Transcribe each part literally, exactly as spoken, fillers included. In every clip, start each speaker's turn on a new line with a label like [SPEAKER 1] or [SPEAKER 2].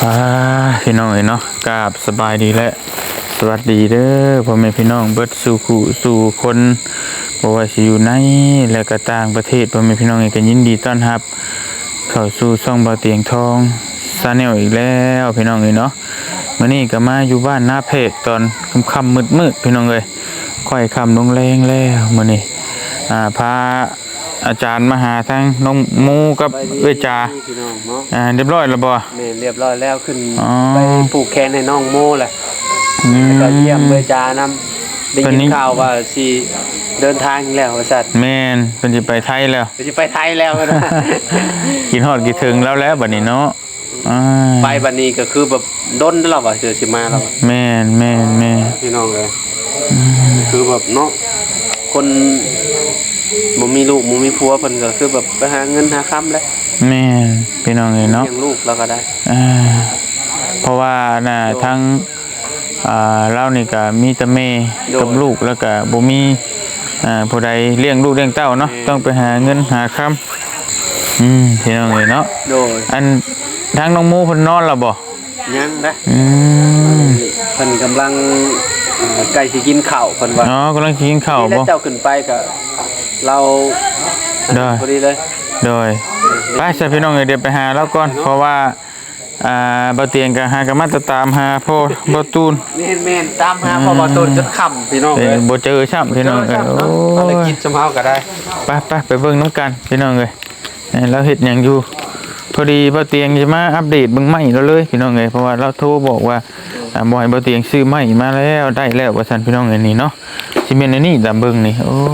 [SPEAKER 1] อ่าพี่น้องเนาะกราบสบายดีและสวัสดีเด้อพ่อแม่พี่น้องเบิดสู่คู่สู่คนบ่ว่าสิอยู่ในและก็ต่างประเทศพ่อแม่พี่น้องก็ยินดีต้อนรับเข้าสู่ช่องเบาเตียงทองชาแนลอีกแล้วพี่น้องเนาะมื้อนี้ก็มาอยู่บ้านนาเพกตอนค่ำๆมืดๆพี่น้องเอ้ยค่อยค่ำลงแรงแล้วมื้อนี้อ่าพาอาจารย์มาหาทั้งน้องมูกับเอ้ยจาอ่าเรียบร้อยแล้วบ่
[SPEAKER 2] แม่เรียบร้อยแล้วขึ้นไปปลูกแคนให้น้องโมแหละแล้วก็เยี่ยมเบอร์จานำได้ยินข่าวว่าสิเดินทางแล้วว่าซั่น
[SPEAKER 1] แม่นเพิ่นสิไปไทยแล้ว
[SPEAKER 2] เพิ่นสิไปไทยแล้วนะ
[SPEAKER 1] กินฮอดกินถึงแล้วแล้วบัดนี้เนาะอ่า
[SPEAKER 2] ไปบัดนี้ก็คือแบบด้นแล้วว่าสิสิมาแล้ว
[SPEAKER 1] แม่นแม่นแม่
[SPEAKER 2] พี่น้องเอ้ยคือแบบเนาะคนบ่มีลูกบ่มีผัวเพิ่นก็คือแบบไปหาเงินหาค้ำแล้ว
[SPEAKER 1] แม่นพี่น้องเอ้ยเนาะ
[SPEAKER 2] เลี้ยงลูกแล้วก็ได้
[SPEAKER 1] อ่าเพราะว่าน่ะทั้งอ่าเรานี่ก็มีแต่แม่กับลูกแล้วก็บ่มีอ่าผู้ใดเลี้ยงลูกเลี้ยงเต้าเนาะต้องไปหาเงินหาค้ำอืมพี่น้องเอ้ยเนาะ
[SPEAKER 2] โดย
[SPEAKER 1] อันทางน้องหมูเพิ่นนอนแล้วบ่
[SPEAKER 2] ยังนะ
[SPEAKER 1] อืม
[SPEAKER 2] เพิ่นกำลังใกล้สิกินข้าวเพิ่นว่า
[SPEAKER 1] อ๋อกำลังกินข้าวบ่
[SPEAKER 2] แล้วเจ้าขึ้นไปก็เรา
[SPEAKER 1] ได้
[SPEAKER 2] พอดีเลย
[SPEAKER 1] โดยไปใส่พี่น้องเดี๋ยวไปหาแล้วก่อนเพราะว่าอ่าบ่เตียงก็หากันมาตามหาพ่อบ่ตูน
[SPEAKER 2] แม่นๆตามหาพ่อบ่ตูนจนค่ำพี่น้องเอ้ย
[SPEAKER 1] บ่เจอซ้ํพี่น้องเอ้ยโอ้
[SPEAKER 2] ภารกิจสำเฮาก็ได้
[SPEAKER 1] ไปๆไปเบิ่งนำกันพี่น้องเอ้ยแล้วเฮ็ดหยังอยู่พอดีบ่เตียงจะมาอัปเดตเบิ่งไม้เราเลยพี่น้องเอ้ยเพราะว่าเราโทรบอกว่าอ่าบ่ให้บ่เตียงซื้อไม้มาแล้วได้แล้วว่าซั่นพี่น้องเอ้ยนี่เนาะสิแม่นอันนี้ตามเบิ่งนี่โอ้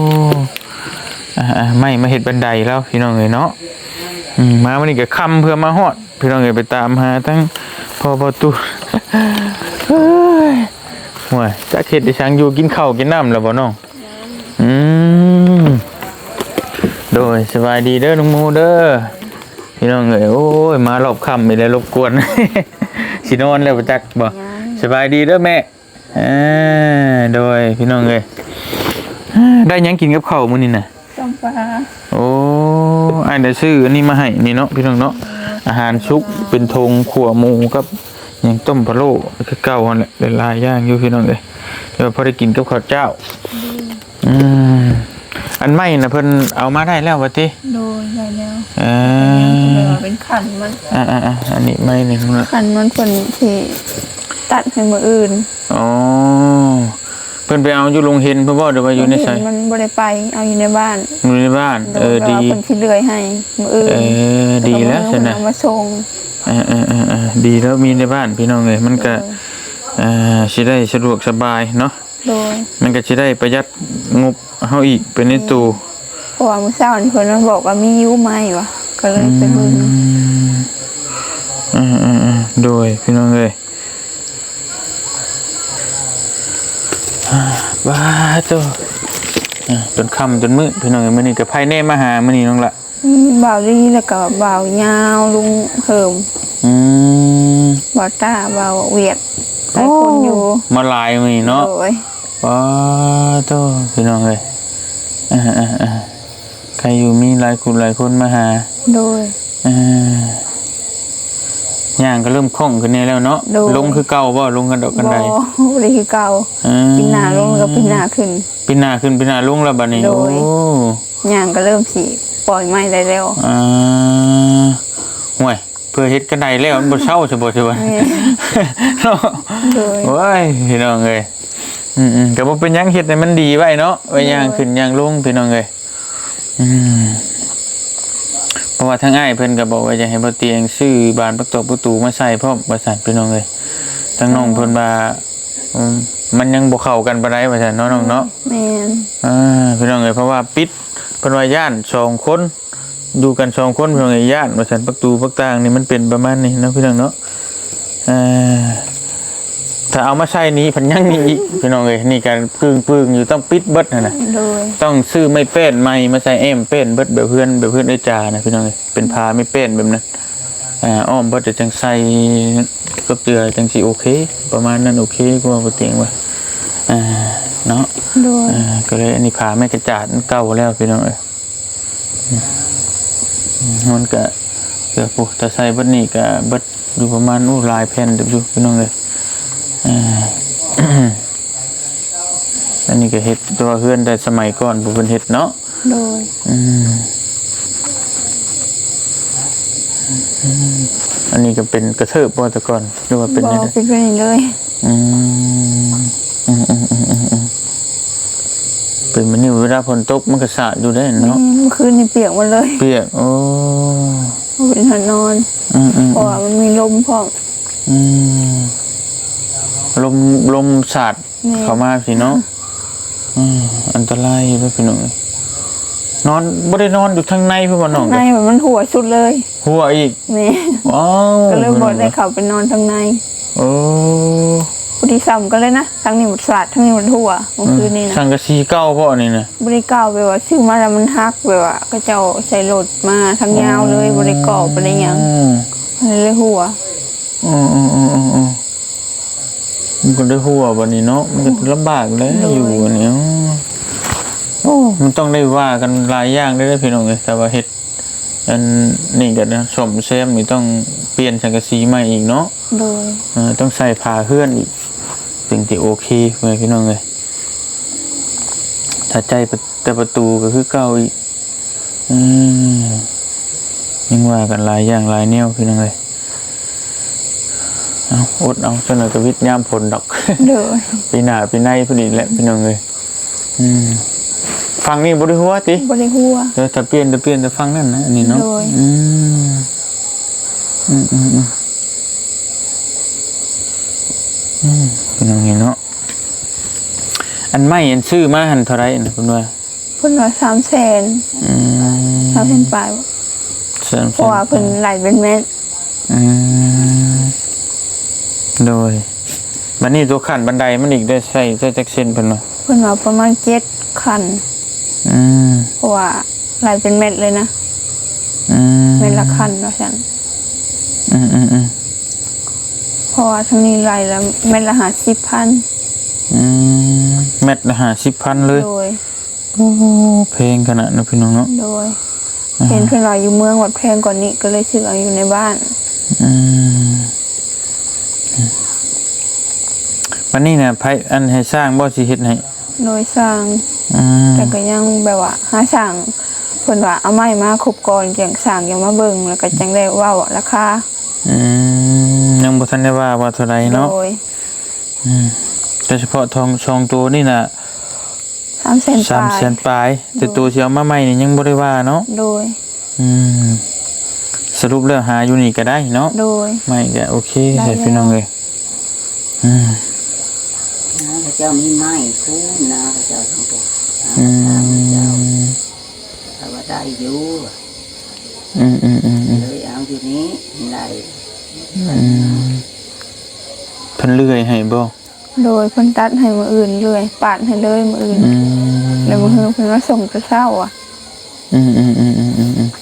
[SPEAKER 1] อ่าไม่มาเห็ดบันไดแล้วพี่น้องเอ๋ยเนาะอืมมาวันนี้ก็ค่ำเพื่อมาฮอดพี่น้องเอ๋ยไปตามหาทั้งพ่อประตูเฮ้ยห่วยจะเข็ดดิฉันอยู่กินข้าวกินน้ำแล้วบ่น้องอืมโดยสบายดีเด้อน้องมูเด้อพี่น้องเอ๋ยโอ้ยมารอบค่ำไม่ได้รบกวนสินอนแล้วบ่จักบ่สบายดีเด้อแม่อ่าโดยพี่น้องเอ๋ยได้ยังกินกับข้าวมื้อนี้น่ะ
[SPEAKER 3] ต้มปลา
[SPEAKER 1] โอ้ไอ้เดี๋ยวซื้ออันนี้มาให้นี่เนาะพี่น้องเนาะอาหารชุกเป็นธงขั่วหมูกับอย่างต้มพะโล้คือเก่าหั่นแหละหลายอย่างอยู่พี่น้องเอ้ยเดี๋ยวพอได้กินกับข้าวเจ้าอืมอันใหม่น่ะเพิ่นเอามาได้แล้วว่าติ
[SPEAKER 3] โดยได้แล้ว
[SPEAKER 1] เอ
[SPEAKER 3] อเป็นขันมัน
[SPEAKER 1] อ่าๆอันนี้ไม่นี่
[SPEAKER 3] ขันมันเพิ่นที่ตัดให้มื้ออื่น
[SPEAKER 1] อ๋อเพิ่นไปเอาอยู่โรงเห็นเพิ่นบ่ได้ว่าอยู่ในไส
[SPEAKER 3] มันบ่ได้ไปเอาอยู่ในบ้าน
[SPEAKER 1] อยู่ในบ้านเออดี
[SPEAKER 3] เพิ่นสิเลื่อยให้มื้ออื่น
[SPEAKER 1] เออดีแล้วซั่นน่ะ
[SPEAKER 3] เอามาส่ง
[SPEAKER 1] เออๆๆดีแล้วมีในบ้านพี่น้องเอ้ยมันก็อ่าสิได้สะดวกสบายเนาะ
[SPEAKER 3] โดย
[SPEAKER 1] มันก็สิได้ประหยัดงบเฮาอีกเป็นในตู้
[SPEAKER 3] เพราะว่ามื้อเช้านี่เพิ่นมาบอกว่ามีอยู่ไหมวะก็เลยไปเบิ่ง
[SPEAKER 1] อือๆๆโดยพี่น้องเอ้ยว้าตัวจนค่ำจนมืดพี่น้องมื้อนี้ก็ไผแน่มาหามื้อนี้น้องละ
[SPEAKER 3] บ่าวลีแล้วก็บ่าวยาวลุงเหิม
[SPEAKER 1] อืม
[SPEAKER 3] บ่าวตาบ่าวเวียดหลายคนอยู่
[SPEAKER 1] มาหลายมื้อนี้เนาะ
[SPEAKER 3] โอ้ย
[SPEAKER 1] ว้าตัวพี่น้องเอ้ยอ่าๆๆใครอยู่มีหลายคนหลายคนมาหา
[SPEAKER 3] โดย
[SPEAKER 1] อ่าย่างก็เริ่มคล่องขึ้นนี่แล้วเนาะลงคือเก่าบ่ลงกันดอกกันใด
[SPEAKER 3] บ่ได้คือเก่าปีหน้าลงแล้วปีหน้าขึ้น
[SPEAKER 1] ปีหน้าขึ้นปีหน้าลงแล้วบัดนี้โอ้
[SPEAKER 3] ย่างก็เริ่มสิปล่อยไม้ได้แล้ว
[SPEAKER 1] อ่าห่วยเพื่อเฮ็ดกันได้แล้วมันบ่เซาซะบ่ใช่บ่เนาะโอ้ยพี่น้องเอ้ยอืมๆก็บ่เป็นหยังเฮ็ดให้มันดีไว้เนาะไว้ย่างขึ้นย่างลงพี่น้องเอ้ยอืมเพราะว่าทางอ้ายเพิ่นก็บอกว่าจะให้บ่เตียงซื้อบานประตูประตูมาใส่พร้อมว่าซั่นพี่น้องเอ้ยทางน้องเพิ่นว่ามันยังบ่เข้ากันปานใดว่าซั่นเนาะน้องเนาะ
[SPEAKER 3] แม่น
[SPEAKER 1] อ่าพี่น้องเอ้ยเพราะว่าปิดเพิ่นว่าย่านสองคนอยู่กันสองคนพี่น้องเอ้ยย่านว่าซั่นประตูประต่างนี่มันเป็นประมาณนี้เนาะพี่น้องเนาะเอ่อถ้าเอามาใช้นี้เพิ่นยังมีอีกพี่น้องเอ้ยนี่การปึ้งๆอยู่ต้องปิดเบิดนั่นน่ะต้องซื้อไม้เป้นใหม่มาใส่แอมเป้นเบิดแบบเพื่อนแบบเพื่อนไอ้จานะพี่น้องเอ้ยเป็นพาไม่เป้นแบบนั้นอ่าอ้อมเบิดจะจังใส่กับเตือจังสิโอเคประมาณนั้นโอเคกว่าบ่เตียงว่าอ่าเนาะอ่าก็เลยอันนี้พาไม่กระจาดเก่าแล้วพี่น้องเอ้ยมันก็เกือบปุ๊บแต่ใส่เบิดนี่ก็เบิดอยู่ประมาณอู้หลายแผ่นเดี๋ยวอยู่พี่น้องเลยอ่า อันนี้ก็เฮ็ดตัวเฮือนแต่สมัยก่อนผู้เพิ่นเฮ็ดเนาะ
[SPEAKER 3] โดย
[SPEAKER 1] อืมอืมอันนี้ก็เป็นกระเทิบบ่แต่ก่อนหรือว่าเป็น
[SPEAKER 3] บ
[SPEAKER 1] จั
[SPEAKER 3] อง
[SPEAKER 1] ได๋
[SPEAKER 3] เป็นไปเลย
[SPEAKER 1] อืมอืมอืมอืมอืมอืมเป็นมันนี่เวลาฝนตกมันก็สาดอยู่ได้
[SPEAKER 3] นี่
[SPEAKER 1] เนาะ
[SPEAKER 3] เมื่อคืนนี่เปียกหมดเลย
[SPEAKER 1] เปียกโอ้
[SPEAKER 3] เป็นหานอน
[SPEAKER 1] อืมอืม
[SPEAKER 3] เพราะว่ามันมีลมพร้อม
[SPEAKER 1] อืมลมลมสาด
[SPEAKER 3] นี่
[SPEAKER 1] เข้ามาสิเนาะอืมอันตรายอยู่ด้วยพี่น้องนอนบ่ได้นอนอยู่ทางในเพิ่นว่าน้อง
[SPEAKER 3] ในแบบมันหัวสุดเลย
[SPEAKER 1] หัวอีก
[SPEAKER 3] นี่
[SPEAKER 1] ว้าว
[SPEAKER 3] ก็เลยบอกได้เข้าไปนอนทางใน
[SPEAKER 1] โอ้
[SPEAKER 3] บุรีซ้ำก็เลยนะทั้งนี้หมดสลัดทั้งนี้หมดหัวเมื่อคืนนี้นะ
[SPEAKER 1] สังกะสีเก่าพ่อนี่นะ
[SPEAKER 3] บริก่าวไปว่าซื้อมาแล้วมันฮักไปว่าก็เจ้าใส่รถมาทั้งยาวเลยบริก่อไปได้หยังเลยหัว
[SPEAKER 1] อืมอืมอืมอืมอืมมันก็ได้หัวบัดนี้เนาะมันก็ลำบากแล้วอยู่อันนี้โอ้มันต้องได้ว่ากันหลายอย่างได้อพี่น้องเอ้ยแต่ว่าเฮ็ดอันนี่ก็นะสมแซมนี่ต้องเปลี่ยนสังกะสีใหม่อีกเนาะ
[SPEAKER 3] โดย
[SPEAKER 1] เออต้องใส่ผ้าเฮือนอีกถึงจะโอเคเว้ยพี่น้องเอ้ยถ้าใจแต่ประตูก็คือเก่าอีกอืมยังว่ากันหลายอย่างหลายแนวพี่น้องเอ้ยเอาอดเอาจนเราก็วิทย์ยามผลดอก
[SPEAKER 3] โดย
[SPEAKER 1] ปีหน้าปีในพอดีแหละพี่น้องเอ้ยอืมฟังนี่บ่ได้หัวติ
[SPEAKER 3] บริหัว
[SPEAKER 1] เดี๋ยวถ้าเปลี่ยนจะเปลี่ยนจะฟังนั่นนะอันนี้เนาะ
[SPEAKER 3] โดย
[SPEAKER 1] อืมอืมอืมอืมอืมพี่น้องเห็นเนาะอันไม่อันซื้อมาหันเท่าไรนะคุณว่า
[SPEAKER 3] เพิ่นว่าสามแสน
[SPEAKER 1] อืม
[SPEAKER 3] สามแสนปลายบ่
[SPEAKER 1] สาม
[SPEAKER 3] เพราะว่าเพิ่นไหลเป็นแม่น
[SPEAKER 1] อืมโดยบัดนี้ตัวขั้นบันไดมันอีกได้ใส่ใส่จักเส้นเพิ่นว่า
[SPEAKER 3] เพิ่นว่าประมาณเจ็ดคัน
[SPEAKER 1] อืม
[SPEAKER 3] เพราะว่าไหลเป็นเม็ดเลยนะ
[SPEAKER 1] อืม
[SPEAKER 3] เม็ดละคันว่าซั่น
[SPEAKER 1] อืมอืมอืม
[SPEAKER 3] เพราะว่าทั้งนี้ไหลละเม็ดละห้าสิบพัน
[SPEAKER 1] อืมเม็ดละห้าสิบพันเลย
[SPEAKER 3] โดย
[SPEAKER 1] โอ้เพลงขนาดนั้นพี่น้องเนาะ
[SPEAKER 3] โดยเห็นเพิ่นว่าอยู่เมืองวัดแพงกว่านี้ก็เลยซื้อเอาอยู่ในบ้าน
[SPEAKER 1] อืมวันนี้เนี่ยไผอันให้สร้างบ่สิเฮ็ดให้
[SPEAKER 3] โดยสร้าง
[SPEAKER 1] อืม
[SPEAKER 3] แต่ก็ยังแบบว่าหาสร้างเพิ่นว่าเอาไม้มาครบก่อนจังสร้างยังมาเบิ่งแล้วก็จังได้เว้าราคา
[SPEAKER 1] อืมยังบ่ทันได้ว่าว่าเท่าไหร่เนาะ
[SPEAKER 3] โดย
[SPEAKER 1] อืมโดยเฉพาะทองชองตัวนี่น่ะ
[SPEAKER 3] สามแสนป
[SPEAKER 1] สาม
[SPEAKER 3] ลาย
[SPEAKER 1] แสนปลายแต่ตัวสิเอามาใหม่นี่ยังบ่ได้ว่าเนาะ
[SPEAKER 3] โดย
[SPEAKER 1] อืมสรุปแล้วหาอยู่นี่ก็ได้เนาะ
[SPEAKER 3] โดย
[SPEAKER 1] ไม่ก็โอเค
[SPEAKER 3] ได้
[SPEAKER 1] ใช่
[SPEAKER 3] แล้ว
[SPEAKER 1] พี่น้องเอ้ยอืม
[SPEAKER 4] นะพระเจ้ามีไม้คู่นะพระเจ้าทั้งปวง
[SPEAKER 1] อื
[SPEAKER 4] นะพระเจ้าม ถ้าว่าได้อยู่
[SPEAKER 1] อืมอืมอืมอืม
[SPEAKER 4] เลยเอาอยู่นี้ได้
[SPEAKER 1] อืมเพิ่นเลื่อยให้บ่
[SPEAKER 3] โดยเพิ่นตัดให้มื้ออื่นเลยปาดให้เลยมื้ออื่น
[SPEAKER 1] อืม
[SPEAKER 3] แล้วมื้ออื่นเพิ่นมาส่งแต่เช้าอ่ะ
[SPEAKER 1] อืมอืมอืมอืมอืมอืม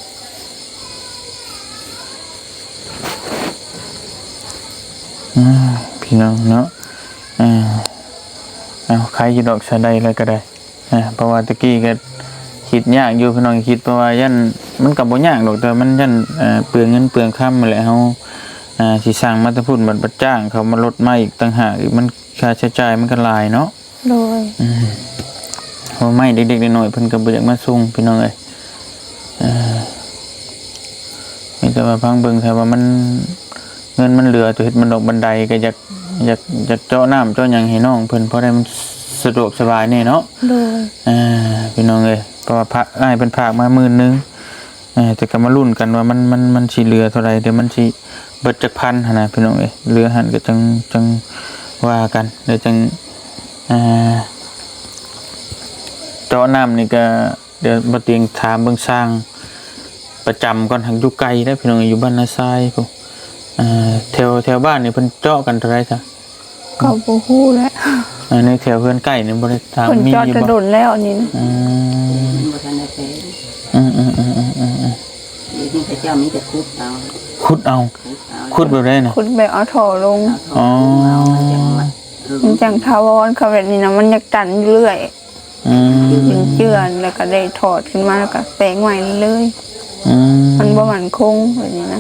[SPEAKER 1] อ่าพี่น้องเนาะอ่าเอาใครอยู่ดอกชาใดอะไรก็ได้อ่าเพราะว่าตะกี้ก็คิดยากอยู่พี่น้องคิดเพราะว่ายันมันก็บ่ยากดอกแต่มันยันเอ่อเปลืองเงินเปลืองค่ำนั่นแหละเฮาอ่าสิสร้างมาแตะพุ่นบัดบัดจ้างเขามาลดมาอีกต่างหากอีกมันค่าใช้จ่ายมันก็หลายเนาะ
[SPEAKER 3] โดย
[SPEAKER 1] อืมเพราะไม่เด็กๆน้อยๆเพิ่นก็บ่อยากมาส่งพี่น้องเอ้ยเอ่อมีแต่ว่าพังเบิ่งถ้าว่ามันเงินมันเหลือตัวเฮ็ดมันดอกบันไดก็อยากอยากอยากเจาะน้ำเจาะหยังให้น้องเพิ่นเพราะได้มันสะดวกสบายแน่เนาะ
[SPEAKER 3] โดย
[SPEAKER 1] อ่าพี่น้องเอ้ยเพราะว่าพระอ้ายเพิ่นฝากมาหมื่นหนึงเออแต่ก็มาลุ้นกันว่ามันมันมันสิเหลือเท่าไหร่เดี๋ยวมันสิเบิดจักพันหั่นน่ะพี่น้องเอ้ยเหลือหั่นก็จังจังว่ากันเดี๋ยวจังอ่า เจาะน้ำนี่ก็เดี๋ยวมาเตียงถามเบิ่งสร้างประจำก่อนทางอยู่ไกลได้อพี่น้องอยู่บ้านนาทรายพวกอ่าแถวแถวบ้านนี่เพิ่นเจาะกันเท่าไหร่จ้ะ
[SPEAKER 3] ก็บ่ฮู้แหล้ว
[SPEAKER 1] อ่าในแถวเพื่อนใกล้นี่บ่ได้ถาม
[SPEAKER 3] เพิ่น
[SPEAKER 1] มี
[SPEAKER 3] จอด
[SPEAKER 1] อยู่
[SPEAKER 3] กระ
[SPEAKER 1] บ่
[SPEAKER 3] โดดแล้วอันนี้นะ
[SPEAKER 1] อืม
[SPEAKER 4] บ่ทันได้เป็น
[SPEAKER 1] อืมอืมอืมอืมอืมอืม
[SPEAKER 4] เดี๋ยวนี้พระเจ้ามีแต่คุดเอา
[SPEAKER 1] ขุดเอา
[SPEAKER 4] คุดเอา
[SPEAKER 1] ขุดแบบได้น่ะ
[SPEAKER 3] คุณแบบเอาท่อลง
[SPEAKER 4] เอาทองเอามันจังมาหึง
[SPEAKER 3] มันจังทาวรเขาแบบนี้นะมันอยากตันอยู่เรื่อย
[SPEAKER 1] อืม
[SPEAKER 3] เป็นเจือนแล้วก็ได้ถอดขึ้นมาแล้วก็แปลงใหม่เลย
[SPEAKER 1] อืม
[SPEAKER 3] มันบ่มั่นคงแบบนี้นะ
[SPEAKER 4] เ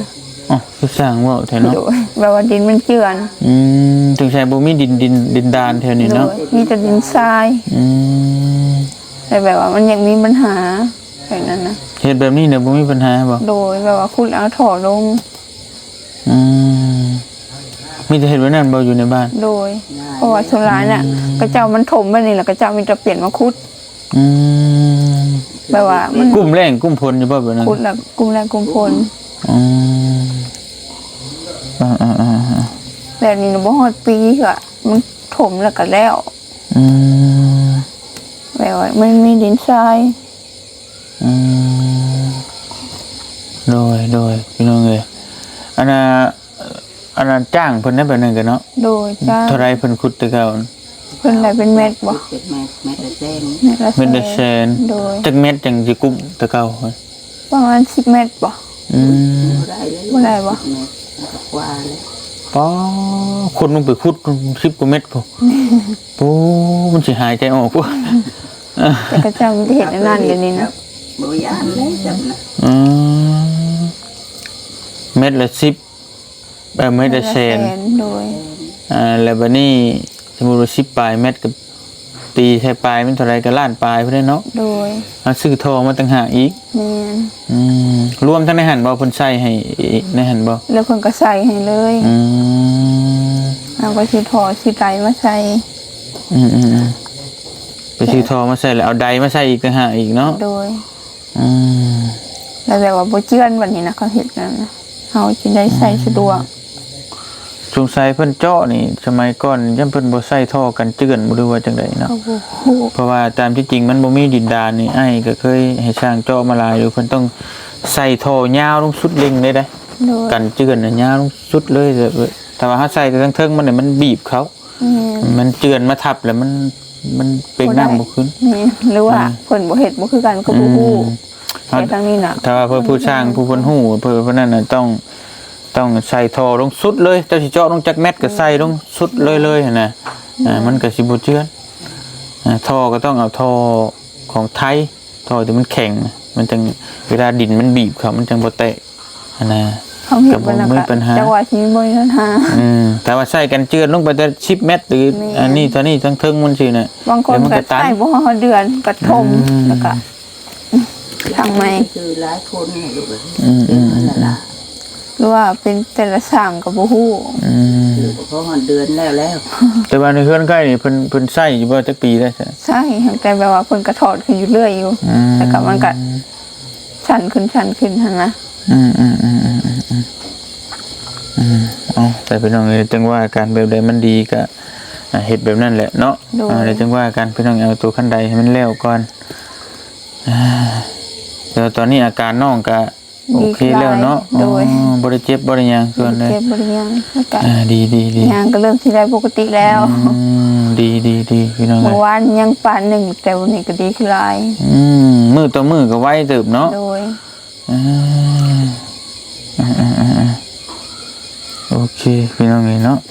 [SPEAKER 1] อ๋อคือสร้างเว้าแท้เนาะ
[SPEAKER 3] โดยแบบว่าดินมันเจือน
[SPEAKER 1] อืมถึงใช้บ่มีดินดินดินดานแถวนี้
[SPEAKER 3] โด
[SPEAKER 1] เนาะ
[SPEAKER 3] ยมีแต่ดินทราย
[SPEAKER 1] อืม
[SPEAKER 3] แต่แบบว่ามันยังมีปัญหาแบบนั้นนะ
[SPEAKER 1] เฮ็ดแบบนี้เนี่ยบ่มีปัญหาบ่
[SPEAKER 3] โดยแบบว่าคุณเอาถอลง
[SPEAKER 1] อืมมีแต่เฮ็ดไว้นั่นบ่อยู่ในบ้าน
[SPEAKER 3] โดยเพราะว่าสุรายน่ะกระเจ้ามันถมไปนี่แหละกระเจ้ามันจะเปลี่ยนมาคุด
[SPEAKER 1] อืม
[SPEAKER 3] แบบว่ามัน
[SPEAKER 1] กุ้มแรงกุ้มพลอยู่บ่แบบนั้น
[SPEAKER 3] คุดแล้วกุมแรงกุมพล
[SPEAKER 1] อืมอ่าๆๆ
[SPEAKER 3] แบบนี้หนูบ่ฮอดปีก็มันถมแล้วก็แล้ว
[SPEAKER 1] อืม
[SPEAKER 3] แบบว่ามันมีดินทราย
[SPEAKER 1] อืมโดยโดยพี่น้องเอ้ยอันน่ะอันนั้นจ้างเพิ่นได้แบบนั้นกันเนาะ
[SPEAKER 3] โดยจ้า
[SPEAKER 1] เท่าไรเพิ่นขุดแต่เก่า
[SPEAKER 3] เพิ่นได้เป็นเม็ดบ่
[SPEAKER 4] เป็นแม่แม่ตะเต้น
[SPEAKER 3] เม็ดละ
[SPEAKER 1] เม็ดละแสน
[SPEAKER 3] โดย
[SPEAKER 1] จักเม็ดจังสิกุมแต่เก่า
[SPEAKER 3] ประมาณสิบเม็ดบ่
[SPEAKER 1] อืม
[SPEAKER 4] บ่ได้เลย
[SPEAKER 3] บ่ได้บ่
[SPEAKER 4] แม่แล้วก็กว่าเลย
[SPEAKER 1] ป๋อคนลงไปขุดสิบกว่าเม็ดพุ่นโอ้มันสิหายใจออกพุ่น
[SPEAKER 3] แต่กระเจ้ามันจะเห็นอันนั่นเดี๋ยวนี้นะ
[SPEAKER 4] บ่ยานเลยจำนะ
[SPEAKER 1] อืมเม็ดละสิบเออเม็ดละแสน
[SPEAKER 3] โดย
[SPEAKER 1] อ่าแล้วบัดนี้สมมุติว่าสิบปลายเม็ดกับตีใช้ปลายมันเท่าไรก็ล้านปลายพุ่นเด้เนาะ
[SPEAKER 3] โดย
[SPEAKER 1] เอาซื้อทองมาต่างหากอีก
[SPEAKER 3] แม่น
[SPEAKER 1] อืมรวมทั้งในหันบ่เพิ่นใส่ให้อีกในหันบ่
[SPEAKER 3] แล้วเพิ่นก็ใส่ให้เลย
[SPEAKER 1] อืม
[SPEAKER 3] เอาก็สิถอสิไตมาใส่
[SPEAKER 1] อืมอืมอืมไปซื้อทองมาใส่แล้วเอาใดมาใส่อีกต่างหากอีกเนาะ
[SPEAKER 3] โดย
[SPEAKER 1] อืม
[SPEAKER 3] แล้วแบบว่าบ่เจือนบัดนี้นะเขาเฮ็ดนั่นนะเฮาสิได้ใส่สะดวก
[SPEAKER 1] สงสัยเพิ่นเจาะนี่สมัยก่อนยังเพิ่นบ่ใส่ท่อกันเจือนบ่รู้ว่าจังไดเนาะ
[SPEAKER 3] โอ้โห
[SPEAKER 1] เพราะว่าตามที่จริงมันบ่มีดินดานนี่ไอ้ก็เคยให้ช่างเจาะมาหลายอยู่เพิ่นต้องใส่ท่อยาวลงสุดเล็งเลยเด้
[SPEAKER 3] โดย
[SPEAKER 1] กันเจือนน่ะยาวลงสุดเลยแต่แต่ว่าถ้าใส่แต่ทั้งเทิงมันเนี่ยมันบีบเขา
[SPEAKER 3] แม่น
[SPEAKER 1] มันเจือนมาทับแล้วมันมันเป่งน้ำบ่ขึ้น
[SPEAKER 3] แม่นหรือว่าเพิ่นบ่เฮ็ดบ่คือกันก็บ่ฮู้แต่ทางนี้น่ะ
[SPEAKER 1] ถ้าว่าเพื่อผู้ช่างผู้เพิ่นฮู้เพื่อเพิ่นนั่นน่ะต้องต้องใส่ท่อลงสุดเลยเจ้าสิเจาะลงจักเม็ดก็ใส่ลงสุดเลยเลยหั่นน่ะอ่ามันก็สิบ่เจือนอ่าท่อก็ต้องเอาท่อของไทยท่อที่มันแข็งมันจังเวลาดินมันบีบเขามันจังบ่แตกหั่นน่ะ
[SPEAKER 3] เขาเฮ็ดบ่แล้ว
[SPEAKER 1] ก็บ่มี
[SPEAKER 3] ก็
[SPEAKER 1] ปัญหา
[SPEAKER 3] จังหวะที่บ่มีปัญหา
[SPEAKER 1] อืมแต่ว่าใส่กันเจือนลงไปแต่สิบเมตรหรือ
[SPEAKER 3] แม่
[SPEAKER 1] อันนี้เท่านี้ทั้งเทิงมันสิน่ะ
[SPEAKER 3] บางคน
[SPEAKER 1] เดี๋ยวมัน
[SPEAKER 3] ก็
[SPEAKER 1] ก็ตัน
[SPEAKER 3] ใส่บ่ฮอดเดือนก็ทม
[SPEAKER 1] อืม
[SPEAKER 3] แล้วก็ทางใหม่
[SPEAKER 4] คือหลายคนเนี่ยลูกเอ้ย
[SPEAKER 1] อืมอืมอืม
[SPEAKER 4] นั่นล่ะ
[SPEAKER 3] หรือว่าเป็นแต่ละสร้างก็บ่ฮู้
[SPEAKER 1] อืม
[SPEAKER 4] คือเพราะมันเดือนแล้วแล้ว
[SPEAKER 1] แต่ว่าในเฮือนใกล้นี่เพิ่นเพิ่นใส่อยู่บ่จักปีได้ใช่
[SPEAKER 3] ใช่แต่แบบว่าเพิ่นก็ถอดขึ้นอยู่เรื่อยอยู่
[SPEAKER 1] อืม
[SPEAKER 3] แต่ก็มันก็ชันขึ้นชันขึ้นหั่นนะ
[SPEAKER 1] อืมอืมอืมอืมอืมอืมอืมเอาแต่พี่น้องเอ้ยจังว่าการแบบใดมันดีก็อ่าเฮ็ดแบบนั้นแหละเนาะอ่าแล้วจังว่ากันพี่น้องเอาตัวคันใดให้มันแล้วก่อนอ่าแล้วตอนนี้อาการน้องก็โอเคแล้วเนาะ
[SPEAKER 3] โดย
[SPEAKER 1] อ๋อบริเจ็บบริยังส่วนเลย
[SPEAKER 3] เจ็บบริยังแล้วก็
[SPEAKER 1] อ่าดีดีดี
[SPEAKER 3] ยางก็เริ่มที่ได้ปกติแล้ว
[SPEAKER 1] อืมดีดีดีพี่น้องเล
[SPEAKER 3] เมื่อย วานยังปานหนึ่งแต่วันนี้ก็ดีขึ้นหลาย
[SPEAKER 1] อืมมือต่อมือก็ไวเติบเนาะ
[SPEAKER 3] โดย
[SPEAKER 1] อ่าอ่าอ่าอ่าอ่าโอเคพี่น้องเลยเนาะ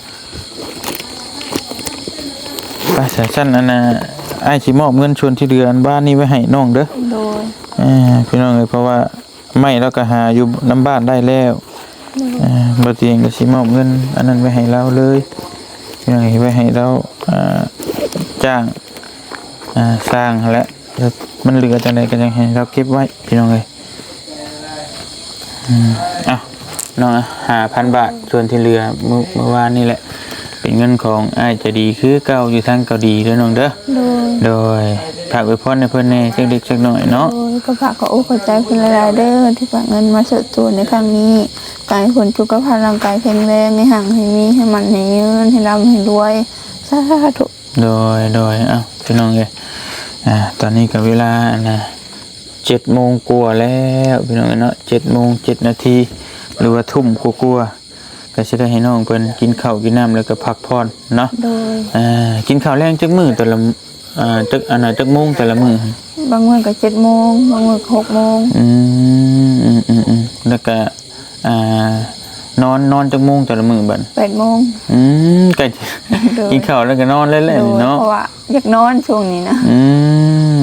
[SPEAKER 1] ไปสายสั้นอันน่ะไอ้ายสิมอบเงินชวนที่เดือนบ้านนี้ไว้ให้น้องเด้อ
[SPEAKER 3] โดย
[SPEAKER 1] อ่าพี่น้องเลยเพราะว่าไม่แล้วก็หาอยู่น้ำบ้านได้แล้วอ่าบ่เตียงก็สิมอบเงินอันนั้นไว้ให้เราเลยพี่น้องเอ้ยไว้ให้เราอ่าจ้างอ่าสร้างหั่นแหละแล้วมันเหลือจังไดก็จังให้เราเก็บไว้พี่น้องเอ้ยอืมเอ้าน้องห้าพันบาทส่วนที่เหลือเมื่อเมื่อวานนี่แหละเป็นเงินของอ้ายใจะดีคือเก่าอยู่ทางเกาหลีเด้อน้องเด้อ
[SPEAKER 3] โดย
[SPEAKER 1] โดยฝากไว้พรให้เพิ่นแหน่จักเล็กจักน้อยเนาะ
[SPEAKER 3] โดยก็ฝากขอโอ้ขอใจคุณหลายๆเด้อที่ฝากเงินมาสดตัวในครั้งนี้กายผลสุขภาพร่างกายแข็งแรงให้ห่างให้มีให้มันให้ยืนให้ร่ำให้รวยสาธุ
[SPEAKER 1] โดยโดยเอ้าพี่น้องเอ้ยอ่าตอนนี้ก็เวลานะเจ็ดโมงกว่าแล้วพี่น้องเอ้ยเนาะเจ็ดโมงเจ็ดนาทีหรือว่าทุ่มกว่าๆก็สิได้ให้น้องเพิ่นกินข้าวกินน้ำแล้วก็พักผ่อนเนาะ
[SPEAKER 3] โดย
[SPEAKER 1] อ่ากินข้าวแรงจักมื้อแต่ละอ่าจักอันน่ะจักโมงแต่ละมื้อบ
[SPEAKER 3] างวันก็เจ็ดโมงบางวันก็หกโมง
[SPEAKER 1] อืมอืมอืมอืมแล้วก็อ่านอนนอนจักโมงแต่ละมื้อบัด
[SPEAKER 3] แปดโมง
[SPEAKER 1] อืมก็
[SPEAKER 3] โดย
[SPEAKER 1] กินข้าวแล้วก็นอนเล่น
[SPEAKER 3] โดย
[SPEAKER 1] ๆเนาะ
[SPEAKER 3] เพราะว่าอยากนอนช่วงนี้นะ
[SPEAKER 1] อืม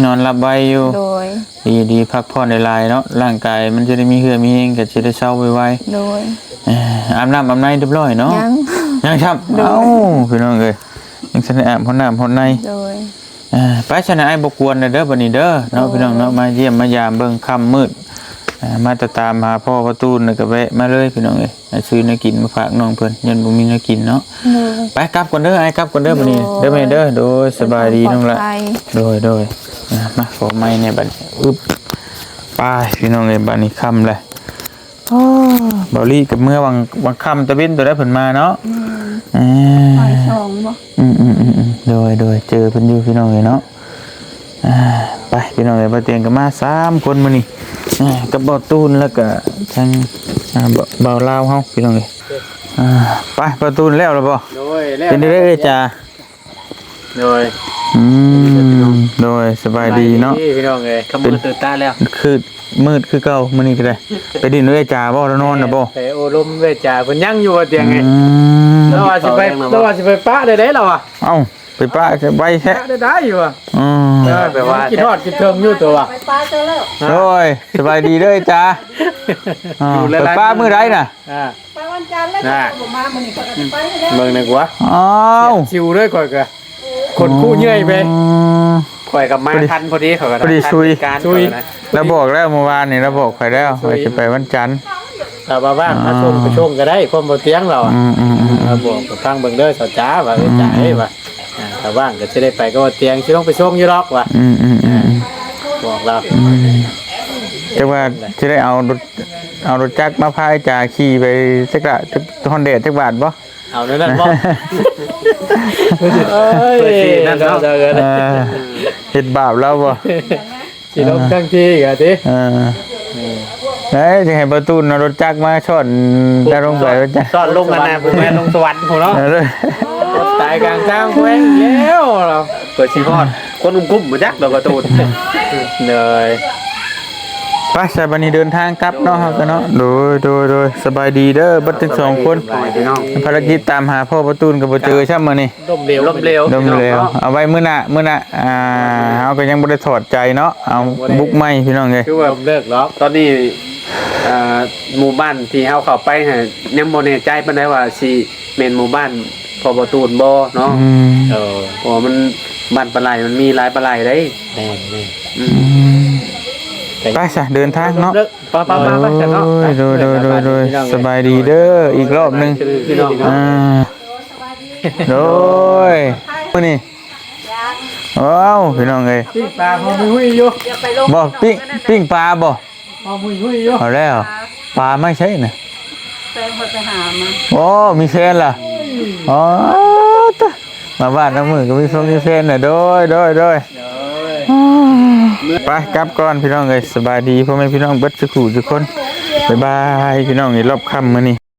[SPEAKER 1] นอนหลับไวอยู่
[SPEAKER 3] โดย
[SPEAKER 1] ดีดีพักผ่อนหลายๆเนาะร่างกายมันจะได้มีเหือมีแรงก็จะได้เช้าไว
[SPEAKER 3] โดย
[SPEAKER 1] ๆเอ่ออาบน้ำอาบในเรียบร้อยเนาะ
[SPEAKER 3] ยัง
[SPEAKER 1] ยังครับ
[SPEAKER 3] โดย
[SPEAKER 1] เอ้าพี่น้องเอ้ยยังสิได้อาบห้องน้ำห้องใน
[SPEAKER 3] โดย
[SPEAKER 1] เอ่อไปชนะไอ้บกวนเด้อบัดนี้เด้อเนาะพี่น้องเนาะมาเยี่ยมมายามเบิ่งค่ำมืดเอ่อมาตะตามหาพ่อประตูนแล้วก็แวะมาเลยพี่น้องเอ้ยให้ซื้อเนื้อกินมาฝากน้องเพิ่นยันบ่มีเนื้อกินเนาะ
[SPEAKER 3] โดย
[SPEAKER 1] ไปกลับก่อนเด้อไอ้กลับก่อนเด้อบัดนี้เด้อแม่เด้อโดยสบายดีน้องละ
[SPEAKER 3] ปลดภัย
[SPEAKER 1] โดยโดยอ่ะมาขอไม้เนี่ยบัดนี้อึ๊บไปพี่น้องเอ้ยบัดนี้ค่ำเลยโอ้เบาลี่กับเมื่อวังวังค่ำตะเวนตัวได้ผลมาเนาะ
[SPEAKER 3] อืม
[SPEAKER 1] อ่า
[SPEAKER 3] ปล่อยสองบ่
[SPEAKER 1] อืมอืมอืมอืมโดยโดยเจอเพิ่นอยู่พี่น้องเลยเนาะอ่าไปพี่น้องเลยมาเตียงกันมาสามคนมานี่อ่ากับเบาตูนแล้วก็ทางอ่าเบาเบาลาวเฮาพี่น้องเลยอ่าไปเบาตูนแล้วหรือเปล่า
[SPEAKER 2] โดยแล้ว
[SPEAKER 1] เป็นได้เอ้ยจ้า
[SPEAKER 2] โดย
[SPEAKER 1] อืมโดยสบายดีเนาะ
[SPEAKER 2] พี่น้องเอ้ยขมือตื่นตาแล้ว
[SPEAKER 1] คือมืดคือเก่ามื้อนี้ก็ได้ ไปดินด้วยจ้าบ่แล้วนอนน่ะบ่
[SPEAKER 2] ไปโอลมเวจาเพิ่นยังอยู่บนเตียงไง
[SPEAKER 1] อืม
[SPEAKER 2] เราว่าสิไปเราว่าสิไปปะได้ได้เราอ่ะ
[SPEAKER 1] เอ้าไปป้าจะไว้แท้
[SPEAKER 2] ปะได้ได้อยู่อ่ะ
[SPEAKER 1] อืม
[SPEAKER 2] เออแปลว่ากินทอดกินเทิงอยู่ตัวอ่ะ
[SPEAKER 1] โอ้ยสบายดีเด้อจ้าอ่าไปป้ามื้อใดน่ะ
[SPEAKER 2] อ่า
[SPEAKER 5] ไปวันจันทร์แล้วก็ผมมามันนี่ก็จะไปแล้ว
[SPEAKER 2] เบิ่งหน่อยกว่า
[SPEAKER 1] อ้าว
[SPEAKER 2] ชิวด้วยข่อยก็คนคู่เหนื่อยไป
[SPEAKER 1] อืม
[SPEAKER 2] ข่อยกับมาทันพอดีเขาก็
[SPEAKER 1] พอดีซุย
[SPEAKER 2] การซุย
[SPEAKER 1] เราบอกแล้วเมื่อวานนี่เราบอกไปแล้วว่าจะไปวันจันทร์
[SPEAKER 2] ถ้าว่าว่างมาชมไปชมก็ได้ความบ่เตียงเราอ่ะ
[SPEAKER 1] อืมอืมอืม
[SPEAKER 2] เราบอกกับทางเบิ่งเด้อสาวจ๋าว่าเอ้ยจ๋าเอ้ยว่าอ่าถ้าว่างก็จะได้ไปก็ว่าเตียงสิลงไปชมอยู่ดอกว่ะ
[SPEAKER 1] อืมอืมอืมอืม
[SPEAKER 2] บอกเรา
[SPEAKER 1] แต่ว่าจะได้เอารถเอารถจักรมาพายจ่าขี่ไปสักละจักฮอนเดจักบาทบ่
[SPEAKER 2] เอานั่นนั่นบ่เอ้ยนั่นเนาะ
[SPEAKER 1] เออเฮ็ดบาปแล้วบ่
[SPEAKER 2] สิลงทั้งที่ก็ติ
[SPEAKER 1] เออเอ้ยจะให้ประตูนเอารถจักรมาชนจะลงไปรถจักร
[SPEAKER 2] สอนลงกันนะผมแม่ลงสวรรค์ผมเนาะ
[SPEAKER 1] เออ
[SPEAKER 2] ตายกลางทางแขวงแล้วเราเปิดสิฮอดคนอุ้มกุ้มบ่จักดอกการะตูนเลย
[SPEAKER 1] ไปสายบันนี้เดินทางกลับเนาะครับเนาะโดยโดยโดยสบายดีเด้อบัดทั้งสองคน
[SPEAKER 2] พี่น้อง
[SPEAKER 1] ภารกิจตามหาพ่อประตูนกับบ่เจอช่ำมื้อนี้
[SPEAKER 2] ลมเร็วลมเร็ว
[SPEAKER 1] ดมเร็วเอาไว้มื้อหน้ามื้อหน้าอ่าเฮาก็ยังบ่ได้ถอดใจเนาะเอาบุกใหม่พี่น้องเอ้ย
[SPEAKER 2] คือว่าเลิกแล้วตอนนี้อ่าหมู่บ้านที่เฮาเข้าไปฮะยังบ่แน่ใจปานใดว่าสิแม่นหมู่บ้านพอประตูนบ่เนาะ
[SPEAKER 1] อืม
[SPEAKER 2] เออเพราะว่ามันบ้านปลาไหลมันมีหลายปลาไหลได้แม่แม่อืม
[SPEAKER 1] ไปซะเดินทางเนาะ
[SPEAKER 2] ป้าป้าป้าป้าเนาะ
[SPEAKER 1] โดยโดยโดยโดยสบายดีเด้ออีกรอบหนึง
[SPEAKER 2] พี่น้อง
[SPEAKER 1] อ่าโดยมื้อนี้ว้าวพี่น้องเอ้ย
[SPEAKER 2] พี่ปลาพอมุ้ยอยู่
[SPEAKER 5] อย่าไปลง
[SPEAKER 1] บ่ปิ้งปิ้งปลาบ่
[SPEAKER 2] พอมุ้ยอยู่
[SPEAKER 1] เอาแล้วปลาไม่ใช่น่ะ
[SPEAKER 5] แฟนคนไปหามา
[SPEAKER 1] โอ้มีแฟนล่ะอ๋อตะมาบ้านน้ำมือก็มีฟงมีแฟนน่ะโดยโดยโดยไปกลับก่อนพี่น้องเอ้ยสบายดีพ่อแม่พี่น้องเบิดสุขุทุกคนบ๊ายบายพี่น้องนี่รอบค่ำมื้อนี้